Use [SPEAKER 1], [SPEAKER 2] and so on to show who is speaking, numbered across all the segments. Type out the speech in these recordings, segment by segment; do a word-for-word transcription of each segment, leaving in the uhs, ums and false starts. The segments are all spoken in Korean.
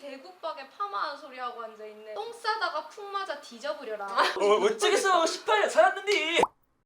[SPEAKER 1] 개구박에 파마한 소리 하고 앉아있네. 똥 싸다가 푹 맞아 뒤져버려라.
[SPEAKER 2] 어, 어쩌겠어. 십팔 년 살았는데.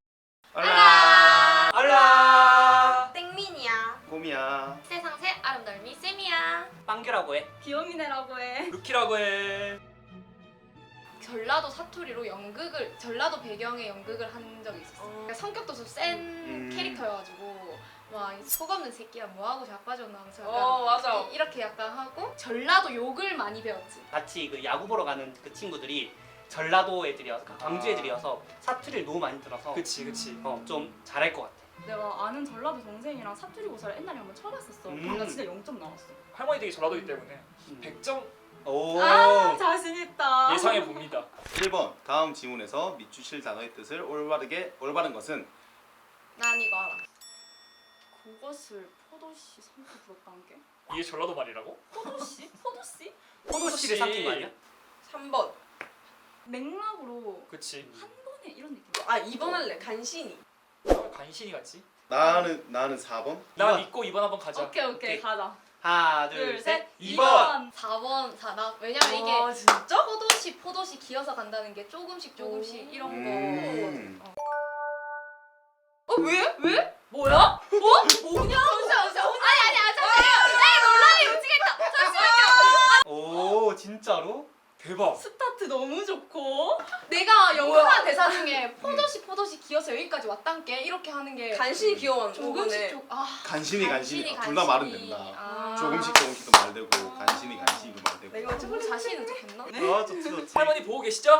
[SPEAKER 3] 알라
[SPEAKER 2] 알라.
[SPEAKER 1] 땡민이야.
[SPEAKER 3] 봄이야.
[SPEAKER 1] 세상 새 아름다움이 쌤이야.
[SPEAKER 2] 빵규라고 해.
[SPEAKER 1] 귀요미네라고 해.
[SPEAKER 2] 루키라고 해.
[SPEAKER 1] 전라도 사투리로 연극을 전라도 배경의 연극을 한 적이 있었어. 그러니까 성격도 좀 센
[SPEAKER 3] 음.
[SPEAKER 1] 캐릭터여가지고 막 속없는 새끼야 뭐하고 자빠졌나 하면서 약간
[SPEAKER 4] 어 맞아.
[SPEAKER 1] 이- 이렇게 약간 하고 전라도 욕을 많이 배웠지.
[SPEAKER 5] 같이 그 야구 보러 가는 그 친구들이 전라도 애들이어서 그 광주
[SPEAKER 2] 아.
[SPEAKER 5] 애들이어서 사투리를 너무 많이 들어서
[SPEAKER 2] 그치 그치.
[SPEAKER 5] 어, 좀 잘할 것 같아.
[SPEAKER 6] 내가 아는 전라도 동생이랑 사투리 고사를 옛날에 한번 쳐봤었어.
[SPEAKER 5] 음.
[SPEAKER 6] 근데 나 진짜 영 점 나왔어.
[SPEAKER 2] 할머니들이 전라도이기 때문에
[SPEAKER 5] 음.
[SPEAKER 2] 백 점
[SPEAKER 5] 오.
[SPEAKER 6] 아 자신 있다.
[SPEAKER 2] 예상해 봅니다.
[SPEAKER 3] 일 번 다음 지문에서 밑주실 단어의 뜻을 올바르게 올바른 것은
[SPEAKER 1] 난 이거 알아.
[SPEAKER 6] 그것을 포도씨 삼켜 불었다는 게?
[SPEAKER 2] 이게 전라도 말이라고?
[SPEAKER 6] 포도씨? 포도씨?
[SPEAKER 5] 포도씨를 삼킨 거 아니야?
[SPEAKER 4] 삼 번.
[SPEAKER 6] 맥락으로
[SPEAKER 2] 그치.
[SPEAKER 6] 한 번에 이런 느낌.
[SPEAKER 4] 아 이 번 할래. 간신히.
[SPEAKER 2] 아, 간신히 같지?
[SPEAKER 3] 나는 나는 사 번.
[SPEAKER 2] 나
[SPEAKER 5] 이번.
[SPEAKER 2] 믿고 이번 한번 가자.
[SPEAKER 6] 오케이 오케이,
[SPEAKER 5] 오케이.
[SPEAKER 6] 가자.
[SPEAKER 5] 하나,
[SPEAKER 6] 둘,
[SPEAKER 5] 둘,
[SPEAKER 6] 셋.
[SPEAKER 5] 셋.
[SPEAKER 2] 이 번.
[SPEAKER 1] 사 번 사 나 왜냐면 이게
[SPEAKER 4] 아 진짜?
[SPEAKER 1] 포도씨 포도씨 기어서 간다는 게 조금씩 조금씩
[SPEAKER 4] 오.
[SPEAKER 1] 이런
[SPEAKER 3] 음.
[SPEAKER 1] 거. 어.
[SPEAKER 4] 어 왜? 왜?
[SPEAKER 6] 뭐야?
[SPEAKER 4] 어? 뭐냐?
[SPEAKER 1] 잠시만 잠시만. 아니 아니 아 잠시만. 에이 논란이 움직였다. 잠시만요.
[SPEAKER 5] 오, 진짜로?
[SPEAKER 2] 대박.
[SPEAKER 6] 스타트 너무 좋고.
[SPEAKER 1] 내가 연극한 대사 중에 포도씨 포도씨 기어서 여기까지 왔단게 이렇게 하는 게
[SPEAKER 4] 간신히 귀여운
[SPEAKER 1] 조금씩 조 아.
[SPEAKER 3] 간신히 간신히
[SPEAKER 1] 간신히,
[SPEAKER 3] 둘 다 말은
[SPEAKER 1] 간신히.
[SPEAKER 3] 된다.
[SPEAKER 1] 아.
[SPEAKER 3] 조금씩 조금씩도 말되고 간신히 간신히도 말되고.
[SPEAKER 4] 내가
[SPEAKER 1] 좀 자신은 좋겠나?
[SPEAKER 5] 아, 좋지, 좋지.
[SPEAKER 2] 할머니 보고 계시죠?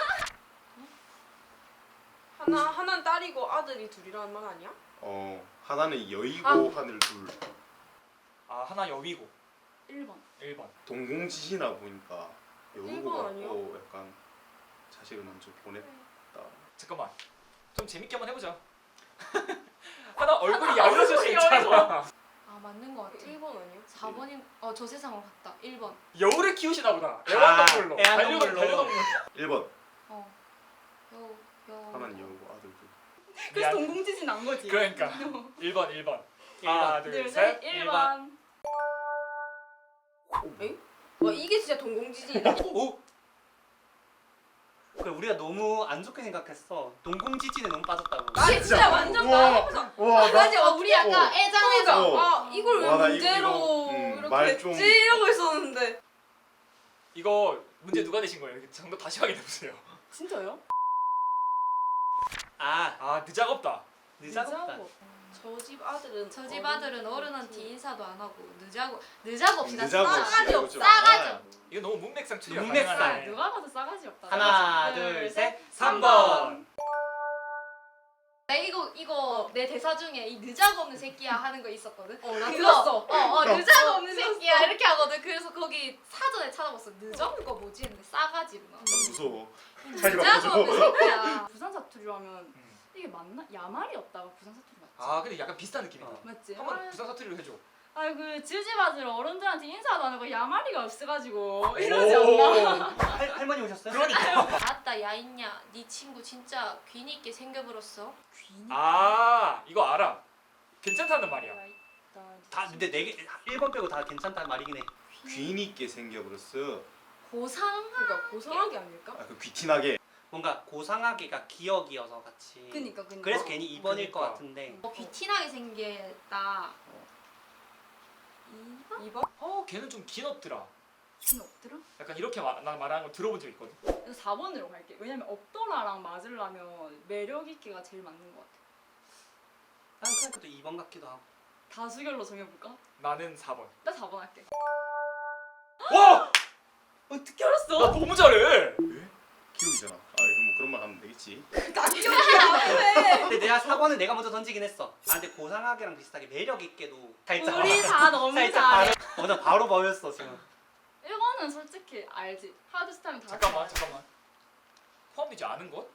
[SPEAKER 4] 하나 하나는 딸이고 아들이 둘이라는 말 아니야?
[SPEAKER 3] 어 하나는 여의고
[SPEAKER 4] 아.
[SPEAKER 3] 하늘 둘.
[SPEAKER 2] 아 하나 여위고
[SPEAKER 6] 일 번.
[SPEAKER 2] 일 번.
[SPEAKER 3] 동공지시나 보니까 여의고
[SPEAKER 4] 일 번 아니야?
[SPEAKER 3] 같고 약간 자식을 먼저 보냈다.
[SPEAKER 2] 잠깐만. 좀 재밌게 한번 해보자. 하나 얼굴이 야위어질 수 있잖아.
[SPEAKER 1] 아 맞는 거 같아.
[SPEAKER 4] 일 번 아니야?
[SPEAKER 1] 사 번인 어 저 세상으로 갔다. 일 번.
[SPEAKER 2] 여우를 키우시나 보다. 애완동물로.
[SPEAKER 5] 애완동물로.
[SPEAKER 2] 반려동- 반려동물.
[SPEAKER 3] 일 번
[SPEAKER 1] 어. 여 여.
[SPEAKER 3] 하나는 여의고 아들 둘.
[SPEAKER 6] 그래서
[SPEAKER 2] 미안.
[SPEAKER 6] 동공지진 난 거지.
[SPEAKER 2] 그러니까 일 번 일 번.
[SPEAKER 5] 일 번.
[SPEAKER 2] 하나
[SPEAKER 6] 둘,
[SPEAKER 2] 둘
[SPEAKER 6] 셋.
[SPEAKER 2] 셋.
[SPEAKER 6] 일
[SPEAKER 5] 일
[SPEAKER 6] 번.
[SPEAKER 4] 와 이게 진짜 동공지진이다.
[SPEAKER 5] 오. 그래, 우리가 너무 안 좋게 생각했어. 동공지진에 너무 빠졌다고.
[SPEAKER 4] 아 진짜 완전
[SPEAKER 3] 우와.
[SPEAKER 4] 나가보자.
[SPEAKER 3] 와 나.
[SPEAKER 1] 맞아. 어, 우리 약간 애장애장.
[SPEAKER 3] 어.
[SPEAKER 4] 아 이걸 왜
[SPEAKER 3] 와, 나 이거-
[SPEAKER 4] 문제로
[SPEAKER 3] 이거, 음,
[SPEAKER 4] 이렇게
[SPEAKER 3] 말
[SPEAKER 4] 했지?
[SPEAKER 3] 좀-
[SPEAKER 4] 이러고 있었는데.
[SPEAKER 2] 이거 문제 누가 내신 거예요? 정답 다시 확인해 보세요.
[SPEAKER 6] 진짜요?
[SPEAKER 5] 아,
[SPEAKER 2] 아 늦작업다.
[SPEAKER 5] 늦작업다.
[SPEAKER 4] 저 집 아들은
[SPEAKER 1] 저 집 아들은 어른한테 인사도 안 하고 늦자고 늦자고 없이 나
[SPEAKER 3] 늦자고 없이
[SPEAKER 1] 싸가지
[SPEAKER 3] 이거
[SPEAKER 1] 없
[SPEAKER 3] 좀-
[SPEAKER 1] 싸가지
[SPEAKER 3] 아.
[SPEAKER 1] 없.
[SPEAKER 2] 이거 너무 문맥상 추리가
[SPEAKER 5] 문맥상.
[SPEAKER 2] 가능하네.
[SPEAKER 6] 누가 봐도 싸가지 없다.
[SPEAKER 5] 하나, 둘, 셋.
[SPEAKER 2] 삼 번.
[SPEAKER 1] 나 이거 이거 내 대사 중에 이 늦자고 없는 새끼야 하는 거 있었거든.
[SPEAKER 4] 어, 나
[SPEAKER 1] 그거-
[SPEAKER 4] 들었어.
[SPEAKER 1] 어, 어 늦자고 없는 새끼야 이렇게 하거든. 그래서 거기 사전에 찾아봤어. 늦은 거 뭐지 했는데 싸가지구나.
[SPEAKER 3] 나 무서워.
[SPEAKER 1] 음,
[SPEAKER 3] 자기
[SPEAKER 1] 늦자고
[SPEAKER 3] 바꿔줘.
[SPEAKER 1] 없는 새끼야.
[SPEAKER 6] 부산 사투리로 하면
[SPEAKER 2] 음.
[SPEAKER 6] 이게 맞나? 야말이었다가 부산 사투리 맞지?
[SPEAKER 2] 아 근데 약간 비슷한 느낌이다.
[SPEAKER 5] 어.
[SPEAKER 6] 맞지?
[SPEAKER 2] 한번 부산 사투리로 해줘.
[SPEAKER 6] 아그 지우집 아들 어른들한테 인사도 안 하고 야말이가 없어가지고 이러지 않나?
[SPEAKER 5] 할, 할머니 오셨어요?
[SPEAKER 2] 그러니까.
[SPEAKER 1] 아따 야 있냐. 네 친구 진짜 귀니 있게 생겨버렸어.
[SPEAKER 6] 귀니?
[SPEAKER 2] 아 이거 알아. 괜찮다는 말이야.
[SPEAKER 5] 다 근데 네개 일 번 빼고 다 괜찮다는 말이긴 해.
[SPEAKER 3] 귀인 있게 생겨버렸어.
[SPEAKER 1] 고상.
[SPEAKER 4] 그러니까 고상하게 아닐까?
[SPEAKER 3] 아그 귀티나게.
[SPEAKER 5] 뭔가 고상하게가 기억이어서 같이.
[SPEAKER 6] 그니까 그니까.
[SPEAKER 5] 그래서 괜히 이 번일 것
[SPEAKER 2] 그니까.
[SPEAKER 5] 같은데.
[SPEAKER 1] 어, 귀티나게 생겼다.
[SPEAKER 4] 이 번?
[SPEAKER 2] 어 걔는 좀 긴 없더라.
[SPEAKER 6] 귀는 없더라?
[SPEAKER 2] 약간 이렇게 말, 나 말하는 거 들어본 적 있거든.
[SPEAKER 6] 그래서 사 번으로 갈게. 왜냐면 없더라랑 맞으려면 매력 있게가 제일 맞는 것 같아.
[SPEAKER 5] 난 그냥 그래도 이 번 같기도 하고.
[SPEAKER 6] 다수결로 정해볼까?
[SPEAKER 2] 나는 사 번.
[SPEAKER 6] 나 사 번 할게.
[SPEAKER 2] 와!
[SPEAKER 6] 어떻게 알았어?
[SPEAKER 2] 나 너무 잘해.
[SPEAKER 3] 기억이잖아. 아 이거 뭐 그런 말 하면 되겠지.
[SPEAKER 4] 나 기억이 왜?
[SPEAKER 5] 근데 내가 사 번은 내가 먼저 던지긴 했어. 아 근데 고상하게랑 비슷하게 매력 있게도 살짝.
[SPEAKER 6] 우리 다 너무
[SPEAKER 5] 살짝
[SPEAKER 6] 잘해.
[SPEAKER 5] 바로. 어, 나 바로 보였어 지금.
[SPEAKER 6] 일 번은 솔직히 알지. 하드스타일은 다
[SPEAKER 2] 잠깐만
[SPEAKER 6] 알지.
[SPEAKER 2] 잠깐만. 포함되지 않은 것?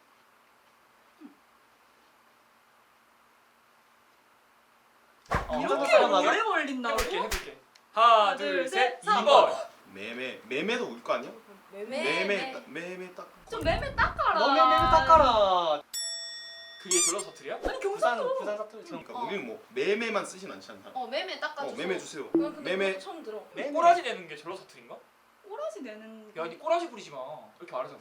[SPEAKER 2] 어,
[SPEAKER 5] 이렇게
[SPEAKER 2] 한번
[SPEAKER 5] 사람하고?
[SPEAKER 6] 오래 걸린다고?
[SPEAKER 2] 해볼게 해볼게. 하나
[SPEAKER 6] 둘,
[SPEAKER 2] 둘
[SPEAKER 6] 셋,
[SPEAKER 2] 셋
[SPEAKER 6] 삼
[SPEAKER 2] 이 번.
[SPEAKER 3] 매매 매매도 올 거 아니야?
[SPEAKER 4] 매매.
[SPEAKER 3] 매매 딱- 매매 딱.
[SPEAKER 6] 좀 매매 닦아라.
[SPEAKER 5] 너 매매 닦아라.
[SPEAKER 2] 그게 전라 사투리야?
[SPEAKER 6] 아니
[SPEAKER 5] 부산
[SPEAKER 6] 경상도.
[SPEAKER 5] 부산 사투리 지금.
[SPEAKER 3] 그러니까 우리는 뭐 매매만 쓰진 않지 않나?
[SPEAKER 1] 어 매매 닦아줘.
[SPEAKER 3] 어 매매 주세요.
[SPEAKER 4] 난 근데
[SPEAKER 3] 매매
[SPEAKER 4] 그것도 처음 들어.
[SPEAKER 5] 매매.
[SPEAKER 2] 꼬라지 내는 게 전라 사투리인가?
[SPEAKER 6] 꼬라지 내는.
[SPEAKER 2] 야, 니 꼬라지 부리지 마. 이렇게 말하잖아.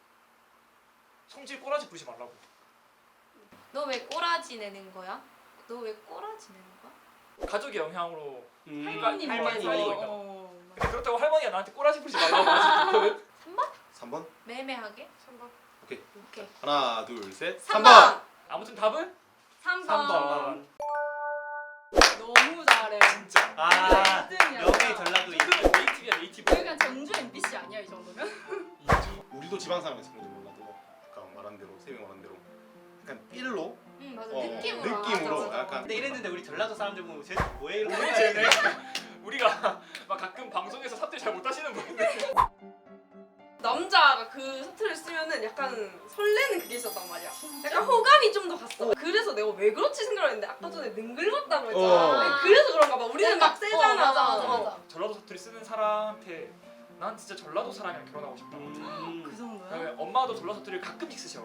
[SPEAKER 2] 성질 꼬라지 부리지 말라고.
[SPEAKER 1] 너 왜 꼬라지 내는 거야? 너 왜 꼬라지 내는 거야?
[SPEAKER 2] 가족의 영향으로.
[SPEAKER 5] 음,
[SPEAKER 6] 할머니 뭐
[SPEAKER 5] 할머니
[SPEAKER 2] 살리고 있다.
[SPEAKER 6] 어,
[SPEAKER 2] 근데 그렇다고 할머니가 나한테 꼬라지 부리지 말라고 하지.
[SPEAKER 3] 삼 번.
[SPEAKER 1] 매매하게?
[SPEAKER 4] 삼 번.
[SPEAKER 3] 오케이.
[SPEAKER 1] 오케이.
[SPEAKER 3] 하나, 둘, 셋.
[SPEAKER 1] 삼
[SPEAKER 3] 삼
[SPEAKER 1] 번.
[SPEAKER 3] 번.
[SPEAKER 2] 아무튼 답은
[SPEAKER 6] 삼 번.
[SPEAKER 2] 삼 번.
[SPEAKER 6] 너무 잘해.
[SPEAKER 2] 진짜.
[SPEAKER 5] 아
[SPEAKER 6] 일 등이야.
[SPEAKER 5] 명예 전라도 이
[SPEAKER 2] 이거는 네이티브야, 네이티브.
[SPEAKER 6] 여기가 전주 엠비씨 아니야 이 정도면?
[SPEAKER 3] 우리도 지방 사람에서 그런지 몰라도 아까 말한 대로 세명 말한 대로 약간 삘로
[SPEAKER 1] 응 맞아.
[SPEAKER 3] 어,
[SPEAKER 1] 느낌으로.
[SPEAKER 3] 느낌으로
[SPEAKER 1] 맞아, 맞아.
[SPEAKER 3] 약간
[SPEAKER 5] 근데 이랬는데 우리 전라도 사람들 보면 쟤 뭐해 이러고
[SPEAKER 2] 우리 쟤네 우리가 막 가끔 방송에서 사투리 잘 못하시는 분인데
[SPEAKER 4] 남자가 그 사투리를 쓰면은 약간 설레는 그게 있었단 말이야. 약간 호감이 좀 더 갔어. 그래서 내가 왜 그렇지 생각했는데 아까 전에 능글맞다고 했잖아.
[SPEAKER 3] 어.
[SPEAKER 4] 그래서 그런가 봐. 우리는 막
[SPEAKER 1] 어,
[SPEAKER 4] 세잖아.
[SPEAKER 1] 맞아 맞아 맞아.
[SPEAKER 2] 전라도 사투리 쓰는 사람한테 난 진짜 전라도 사람이랑 결혼하고 싶다.
[SPEAKER 6] 그
[SPEAKER 5] 음.
[SPEAKER 6] 정도야?
[SPEAKER 2] 왜냐면 엄마도 전라도 사투리를 가끔씩 쓰셔.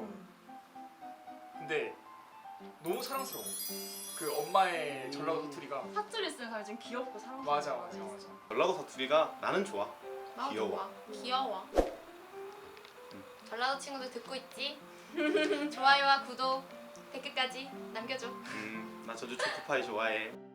[SPEAKER 2] 근데 너무 사랑스러워. 그 엄마의 전라도 사투리가.
[SPEAKER 6] 사투리 쓰는 사람이 좀 귀엽고 사랑스러워.
[SPEAKER 2] 맞아 맞아 맞아.
[SPEAKER 3] 전라도 사투리가 나는 좋아.
[SPEAKER 1] 나도
[SPEAKER 3] 귀여워.
[SPEAKER 1] 좋아. 귀여워. 전라도 친구들 듣고 있지? 좋아요와 구독, 댓글까지 남겨줘.
[SPEAKER 3] 음, 나 전주 초코파이 좋아해.